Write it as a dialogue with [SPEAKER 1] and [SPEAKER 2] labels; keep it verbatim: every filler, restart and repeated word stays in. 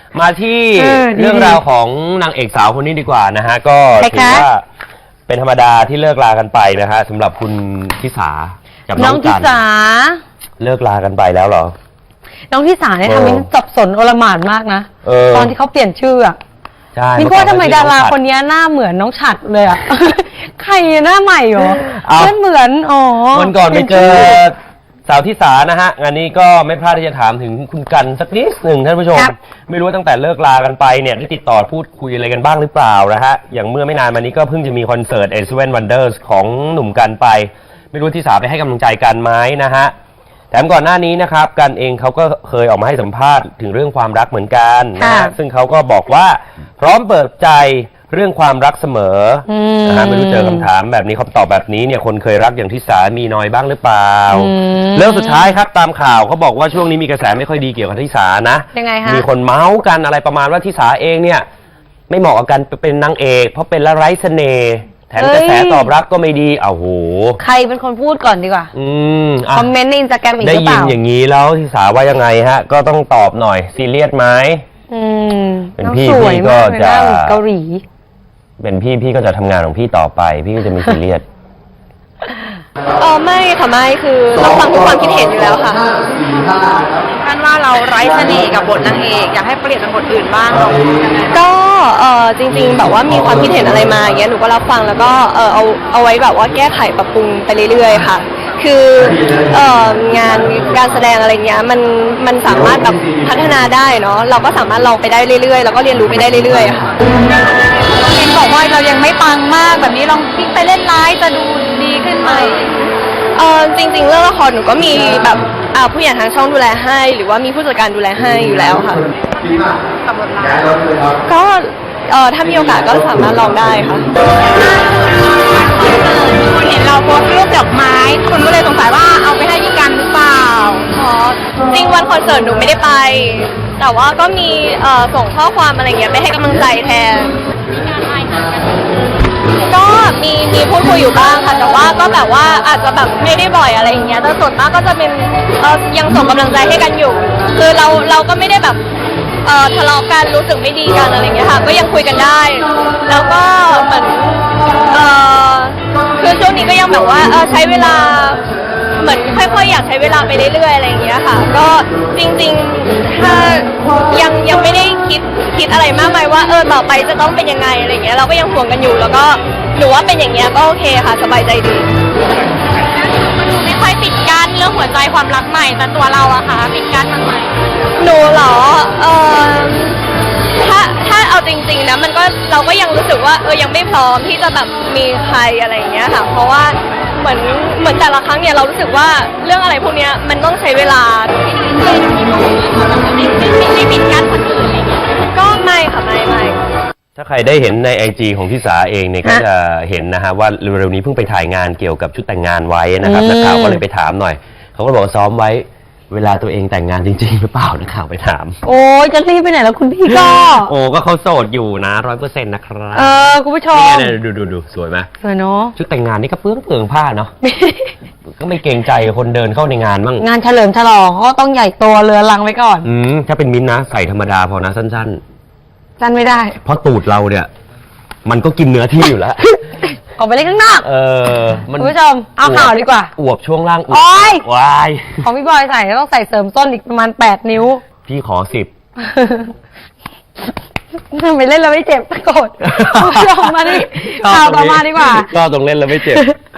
[SPEAKER 1] มาที่เรื่องราวของนางเอกสาวคนนี้ดีกว่านะฮะก็ถือว่าเป็นธรรมดาที่เลิกลากันไปนะฮะสำหรับคุณทิสากับน้องทิสาเลิกลากันไปแล้วเหรอ
[SPEAKER 2] น้องทิสาเนี่ยทำให้สับสนโอลหม่านมากนะตอนที่เขาเปลี่ยนชื่ออ่ะ
[SPEAKER 1] ใช่
[SPEAKER 2] พี่ว่าทำไมดาราคนนี้หน้าเหมือนน้องฉัดเลยอ่ะใครหน้าใหม่เหรอไม่เหมือนอ๋อ
[SPEAKER 1] วันก่อนไปเจอสาวทิสานะฮะงานนี้ก็ไม่พลาดที่จะถามถึงคุณกันสักนิดหนึ่งท่านผู้ชมไม่รู้ว่าตั้งแต่เลิกลากันไปเนี่ยได้ติดต่อพูดคุยอะไรกันบ้างหรือเปล่านะฮะอย่างเมื่อไม่นานมานี้ก็เพิ่งจะมีคอนเสิร์ต เอ เซเว่น Wonders ของหนุ่มกันไปไม่รู้ทิสาไปให้กำลังใจกันไหมนะฮะแถมก่อนหน้านี้นะครับกันเองเขาก็เคยออกมาให้สัมภาษณ์ถึงเรื่องความรักเหมือนกันนะฮะซึ่งเขาก็บอกว่าพร้อมเปิดใจเรื่องความรักเสมอนะฮะไม่รู้เจอคำถามแบบนี้เขาตอบแบบนี้เนี่ยคนเคยรักอย่างทิสามีน้อยบ้างหรือเปล่าเรื่องสุดท้ายครับตามข่าวเขาบอกว่าช่วงนี้มีกระแสไม่ค่อยดีเกี่ยวกับทิสานะ
[SPEAKER 2] ยังไงคะ
[SPEAKER 1] มีคนเมาส์กันอะไรประมาณว่าทิสาเองเนี่ยไม่เหมาะกับการเป็นนางเอกเพราะเป็นละไร้เสน่ห์แถมกระแสตอบรับก็ไม่ดีอ้าวโห
[SPEAKER 2] ใครเป็นคนพูดก่อนดีกว่า
[SPEAKER 1] อืม
[SPEAKER 2] คอมเมนต์ในอินสตาแกรมอีกหรือ
[SPEAKER 1] เปล่าได้ยินอย่างนี้แล้วทิสาว่ายังไงฮะก็ต้องตอบหน่อยซีเรียสไหม
[SPEAKER 2] อืม
[SPEAKER 1] เป็นพี่พี่ก็จะ
[SPEAKER 2] เกาหลี
[SPEAKER 1] เป็นพี่พี่ก็จะทำงานของพี่ต่อไปพี่ก็จะมีซีเรียส
[SPEAKER 3] เออไม่ค่ะไม่คือเราฟังทุกความคิดเห็นอยู่แล้วค่ะ
[SPEAKER 4] ท่านว่าเราไร้เสน่ห์กับบทนางเอกอยากให้เปลี่ยนเป็นบทอื่นบ้างเรา
[SPEAKER 3] ก็เออจริงๆแบบว่ามีความคิดเห็นอะไรมาอย่างเงี้ยหนูก็รับฟังแล้วก็เออเอาเอาไว้แบบว่าแก้ไขปรับปรุงไปเรื่อยๆค่ะคือเอองานการแสดงอะไรเงี้ยมันมันสามารถแบบพัฒนาได้เนาะเราก็สามารถลองไปได้เรื่อยๆแล้วก็เรียนรู้ไปได้เรื่อยๆค่ะ
[SPEAKER 4] เห็นบอกว่าเรายังไม่ปังมากแบบนี้ลองพลิกไปเล่นร้ายจะดูดีขึ้นไหม
[SPEAKER 3] เออจริงๆเรื่องละครหนูก็มีแบบผู้ใหญ่ทางช่องดูแลให้หรือว่ามีผู้จัดการดูแลให้อยู่แล้วค่ะก็เออถ้ามีโอกาสก็สามารถลองได้ค่ะ
[SPEAKER 4] คุณเห็นเราโพสต์รูปดอกไม้คุณก็เลยสงสัยว่าเอาไปให้พี่กันหรือเปล่า
[SPEAKER 3] อ๋อจริงวันคอนเสิร์ตหนูไม่ได้ไปแต่ว่าก็มีเอ่อส่งข้อความอะไรเงี้ยไปให้กำลังใจแทนก็มีมีพูดคุยอยู่บ้างค่ะแต่ว่าก็แบบว่าอาจจะแบบไม่ได้บ่อยอะไรอย่างเงี้ยแต่ส่วนมากก็จะเป็นเอ่อยังส่งกำลังใจให้กันอยู่คือเราเราก็ไม่ได้แบบเอ่อทะเลาะกันรู้สึกไม่ดีกันอะไรเงี้ยค่ะก็ยังคุยกันได้แล้วก็เหมือนเอ่อคือช่วงนี้ก็ยังแบบว่าเออใช้เวลาเหมือนค่อยๆอยากใช้เวลาไปเรื่อยๆอะไรอย่างเงี้ยค่ะก็จริงๆถ้ายังยังไม่ได้คิดคิดอะไรมากมายว่าเออต่อไปจะต้องเป็นยังไงอะไรเงี้ยเราก็ยังห่วงกันอยู่แล้วก็หนูว่าเป็นอย่างเงี้ยก็โอเคค่ะสบายใจดี
[SPEAKER 4] ไม่ค่อยปิดกั้นเรื่องหัวใจความรักใหม่แต่ตัวเราอะค่ะปิดกั้นทางไหน
[SPEAKER 3] หนูเหรอเออถ้าถ้าเอาจริงๆนะมันก็เราก็ยังรู้สึกว่าเออยังไม่พร้อมที่จะแบบมีใครอะไรอย่างเงี้ยค่ะเพราะว่าเหมือนเหมือนแต่ละครั้งเนี่ยเรารู้สึกว่าเรื่องอะไรพวกเนี้ยมันต้องใช้เวลา
[SPEAKER 4] ไม่ปิดกั้นคนอื่นอะไรเงี้ย
[SPEAKER 3] ก็ไม่ค่ะไม่ไม่
[SPEAKER 1] ถ้าใครได้เห็นในไอจีของทิสาเองเนี่ยก็จะเห็นนะฮะว่าเร็วๆนี้เพิ่งไปถ่ายงานเกี่ยวกับชุดแต่งงานไว้นะครับนักข่าวก็เลยไปถามหน่อยเขาก็บอกซ้อมไว้เวลาตัวเองแต่งงานจริงๆหรือเปล่านักข่าวไปถาม
[SPEAKER 2] โอ้ยจะรีบไปไหนแล้วคุณพี่ก็
[SPEAKER 1] โอ้ก็เขาโสดอยู่นะร้อยเปอร์เซ็นต์นะครับ
[SPEAKER 2] เออคุณผู้ชม
[SPEAKER 1] นี่ดูดูดูสวยไหม
[SPEAKER 2] สวยเนาะ
[SPEAKER 1] ชุดแต่งงานนี่ก็เปลืองเปลืองผ้าเนาะก็ไม่เกรงใจคนเดินเข้าในงานบ้าง
[SPEAKER 2] งานเฉลิมฉลองก็ต้องใหญ่โตเรือลังไว้ก่อน
[SPEAKER 1] อืมถ้าเป็นมิ้นนะใส่ธรรมดาพอนะสั้นๆ
[SPEAKER 2] สั้นไม่ได้
[SPEAKER 1] เพราะตูดเราเนี่ยมันก็กินเนื้อที่อยู่แล้ว
[SPEAKER 2] ออกไปเล่นข้างนอก
[SPEAKER 1] เออ
[SPEAKER 2] คุณผู้ชมเอาข่าวดีกว่า
[SPEAKER 1] อวบช่วงล่าง
[SPEAKER 2] อวบ
[SPEAKER 1] วาย
[SPEAKER 2] ของพี่บอยใส่ต้องใส่เสริมส้นอีกประมาณแปดนิ้ว
[SPEAKER 1] พี่ขอสิบ
[SPEAKER 2] ทำไมเล่นแล้วไม่เจ็บโกรธคุณผู้ชมมาดิข่าวต่อมาดีกว่า
[SPEAKER 1] ก็ต้องเล่นแล้วไม่เจ็บ